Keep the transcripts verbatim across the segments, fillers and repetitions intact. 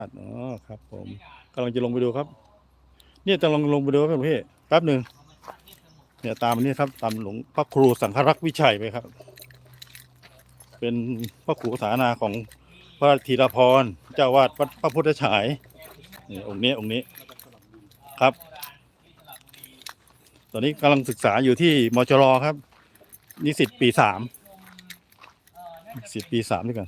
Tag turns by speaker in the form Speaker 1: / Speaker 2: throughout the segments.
Speaker 1: อ๋อครับผมกำลังจะลงไปดูครับเนี่ยจะลองลงไปดูครับพี่แป๊บหนึ่งเนี่ยตามอันนี้ครับตามหลวงพระครูสังฆรักษ์วิชัยไปครับ เป็นพระครูสานาของพระธีรพรเจ้าวาดวัดพระพุทธฉายนี่องค์นี้องค์นี้ครับ ตอนนี้กำลังศึกษาอยู่ที่มจรครับนิสิตปีสามนิสิตปีสามด้วยกัน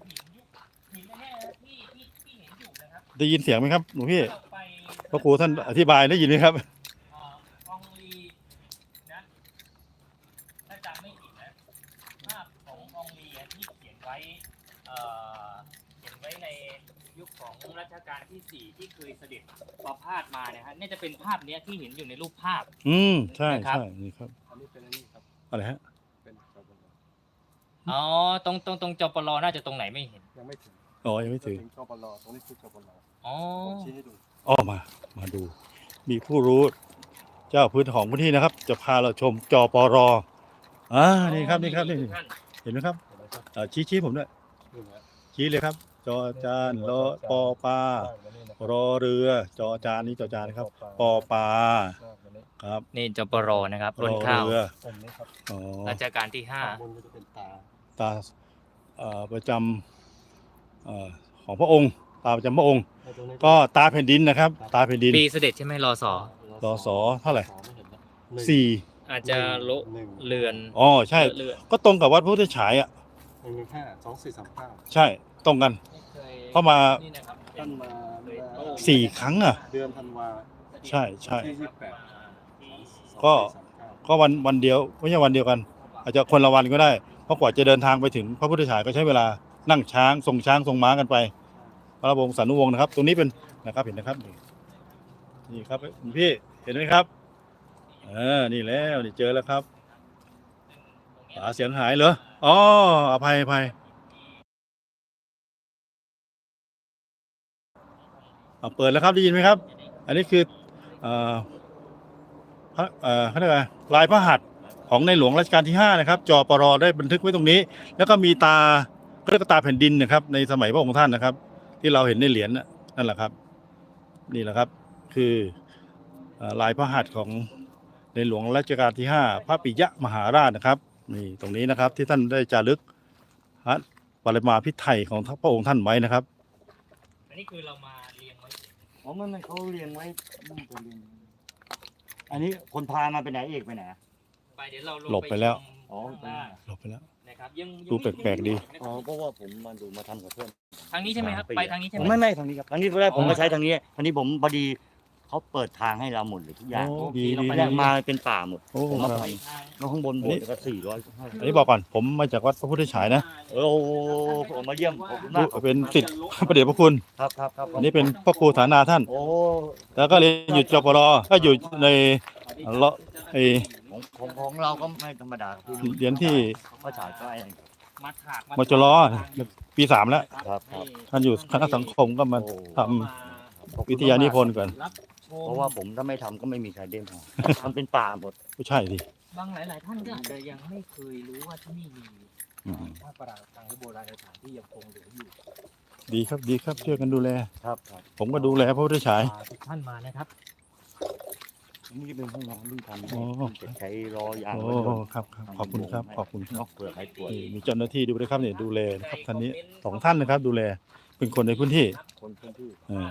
Speaker 1: ได้ยินเสียงไหมครับหลวงพี่พระครูท่านอธิบายได้ยินไหมครับ
Speaker 2: กองลีนะถ้าจำไม่ผิดนะภาพของกองลีที่เขียนไว้เอ่อเขียนไว้ในยุคของรัชกาลที่สี่ที่เคยเสด็จประพาสมาเนี่ยฮะนี่จะเป็นภาพเนี้ยที่เห็นอยู่ในรูปภาพ
Speaker 1: อืมใช่ใช่นี่ครับ
Speaker 3: อันนี้เป็นอันนี้ครับ
Speaker 1: อะไรฮะ
Speaker 3: เป็นจปล
Speaker 2: อ๋อตรงตรงตรงจปลน่าจะตรงไหนไม่เห็น
Speaker 3: ยังไม่ถึง
Speaker 1: อ๋อยังไม่ถึง
Speaker 3: จปลตรงนี้คือจปล
Speaker 2: อ๋อ
Speaker 3: ผมชี้ให้ดู
Speaker 1: อ๋อมามาดู มีผู้รู้เจ้าพื้นของพื้นที่นะครับ จะพาเราชมจปรอ่านี่ครับนี่ครับนี่เห็นไหมครับอ่าชี้ชี้ผมด้วยชี้เลยครับ จอจานรอปอปลารอเรือ จอจานนี้จอจานนะครับปอปลาครับ
Speaker 2: นี่จปรนะครับรนข้าว
Speaker 1: อ๋อ
Speaker 2: รัชกาลที่ห้า
Speaker 3: บนก็จะเป็นตา
Speaker 1: ตาเอ่อประจำเอ่อของพระองค์ตาประจำพระองค์ ก็ตาแผ่นดินนะครับ ตาแผ่นดิน
Speaker 2: ปีเสด็จใช่ไหมรอสอ
Speaker 1: รอสอเท่าไหร่สี่
Speaker 2: อาจจะโลเรือน
Speaker 1: อ๋อใช่ก็ตรงกับวัดพุทธฉายอ่ะ
Speaker 3: หนึ่งห้าสองสี่สามเก้า
Speaker 1: ใช่ตรงกันเข้ามา
Speaker 3: ท่านมา
Speaker 1: สี่ครั้งอ่ะ
Speaker 3: เดือนธันวา
Speaker 1: ใช่ใช่
Speaker 3: ที่ยี่สิบแปด
Speaker 1: ก็ก็วันวันเดียวไม่ใช่วันเดียวกัน อาจจะคนละวันก็ได้เพราะกว่าจะเดินทางไปถึงพระพุทธฉายก็ใช้เวลานั่งช้างส่งช้างส่งม้ากันไปพระวงศ์สานุวงศ์นะครับ ตรงนี้เป็นนะครับเห็นนะครับนี่ครับพี่เห็นไหมครับเออนี่แล้วนี่เจอแล้วครับหาเสียงหายเหรออ๋ออภัยอภัยเปิดแล้วครับได้ยินไหมครับ อันนี้คือเอ่อพระเอ่อเขาเรียกอะไรลายพระหัตถ์ของในหลวงรัชกาลที่ห้านะครับจปรได้บันทึกไว้ตรงนี้ แล้วก็มีตาเรียกตาแผ่นดินนะครับในสมัยพระองค์ท่านนะครับ ที่เราเห็นในเหรียญนั่นแหละครับนี่แหละครับคือลายพระหัตถ์ของในหลวงรัชกาลที่ห้าพระปิยมหาราชนะครับนี่ตรงนี้นะครับที่ท่านได้จารึกพระปริมาพิไทยของพระองค์ท่านไว้นะครับ
Speaker 2: อันนี้คือเรามาเรียงไว้
Speaker 3: อ๋อมันเขาเรียงไว้อันนี้คนพามาไปไหนเอกไปไหน
Speaker 2: ไปเดี๋ยวเรา
Speaker 1: หลบไปแล้ว
Speaker 3: อ๋อ
Speaker 1: หลบไปแล้ว
Speaker 2: นะครับยัง
Speaker 1: ดูแปลกๆดี
Speaker 3: อ๋อเพราะว่าผมมาดูมาทำกับเพื่อน
Speaker 2: ทางนี้ใช่ไหมครับไปทางนี้ใช่ไหม
Speaker 3: ไม่ไม่ทางนี้ครับทางนี้แรกผมมาใช้ทางนี้ทางนี้ผมพอดีเขาเปิดทางให้เราหมดเลยทุกอย่าง
Speaker 1: ดีดี
Speaker 3: มาเป็นป่าหมดผมมาไปแล้วข้างบนบนก็สี่ร้อย
Speaker 1: อันนี้บอกก่อนผมมาจากวัดพระพุทธฉายนะ
Speaker 3: โอ้ผมมาเยี่ยม
Speaker 1: เป็นศิษย์พระเดชพระคุณ
Speaker 3: ครับครับครับ
Speaker 1: อันนี้เป็นพระครูฐานาท่าน
Speaker 3: โอ้
Speaker 1: แล้วก็เรียนอยู่จปรก็อยู่ในเลาะไอ
Speaker 3: ของของเราก็ไม่ธรรมดา
Speaker 1: เรียนที่
Speaker 3: พระฉายก็ไอ้
Speaker 1: มจรปีสามแล้วท่านอยู่คณะสังคมก็มาทำวิทยานิพนธ์ก่อน
Speaker 3: เพราะว่าผมถ้าไม่ทำก็ไม่มีใครเด่นมันเป็นป่าหมด
Speaker 1: ไม่ใช่ดิ
Speaker 2: บางหลายๆท่านก็อาจจะยังไม่เคยรู้ว่าที่นี่มีพระปรางทางโบราณสถานที่ยังคงเหลืออยู่
Speaker 1: ดีครับดีครับช่วยกันดูแล
Speaker 3: ครับ
Speaker 1: ผมก็ดูแลพระพุทธฉาย
Speaker 2: ทุกท่านมานะครับ
Speaker 3: นี่จะเป็นห้องน้ำที่ทำใช้รออย่าง
Speaker 1: โอ้ครับขอบคุณครับขอบคุณครับ
Speaker 3: เผื่อใครป่วย
Speaker 1: มีเจ้าหน้าที่ดูด้วยครับเนี่ยดูแลนะครับท่านนี้สองท่านนะครับ ดูแลเป็นคนในพื้นที่
Speaker 3: คนพื้นที่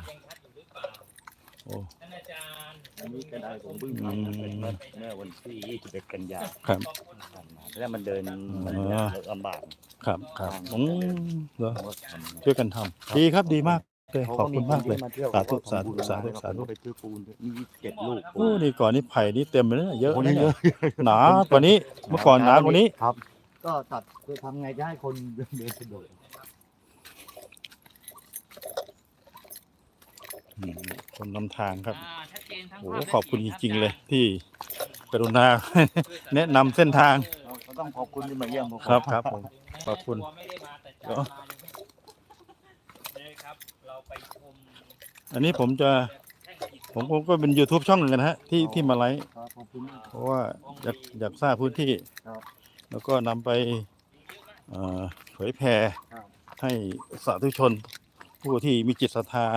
Speaker 1: โอ้
Speaker 3: อันนี้ก็ได้ผมเพิ่งทำเมื่อวันที่ยี่สิบเอ็ดกันยา
Speaker 1: ครับ
Speaker 3: แล้วมันเดินมันลำบาก
Speaker 1: ครับครับอืมเหรอช่วยกันทำดีครับดีมากเลยขอบคุณมากเลยสาธุสาธุสาธุสาธุ
Speaker 3: ไปซื้อปูนมีเจ็ดลูก
Speaker 1: โอ้นี่ก่อนนี่ไผ่นี่เต็มเลยเยอะนะเยอะหนากว่านี้เมื่อก่อนหนากว่านี้
Speaker 3: ครับก็ตัดจะทำไงจะให้คนเดินสะดวก
Speaker 1: คนนำทางครับโอ้ขอบคุณจริงๆเลยที่กรุณาแนะนำเส้นทาง
Speaker 3: ต้องขอบคุณที่มาเยี่ยมผม
Speaker 1: ครับครับผมขอบคุณอันนี้ผมจะผมก็เป็น YouTube ช่องหนึ่งนะฮะที่ที่มาไลฟ์เพราะว่าอยากอยากทราบพื้นที่แล้วก็นำไปเผยแพร่ให้สาธุชนผู้ที่มีจิตศรัทธา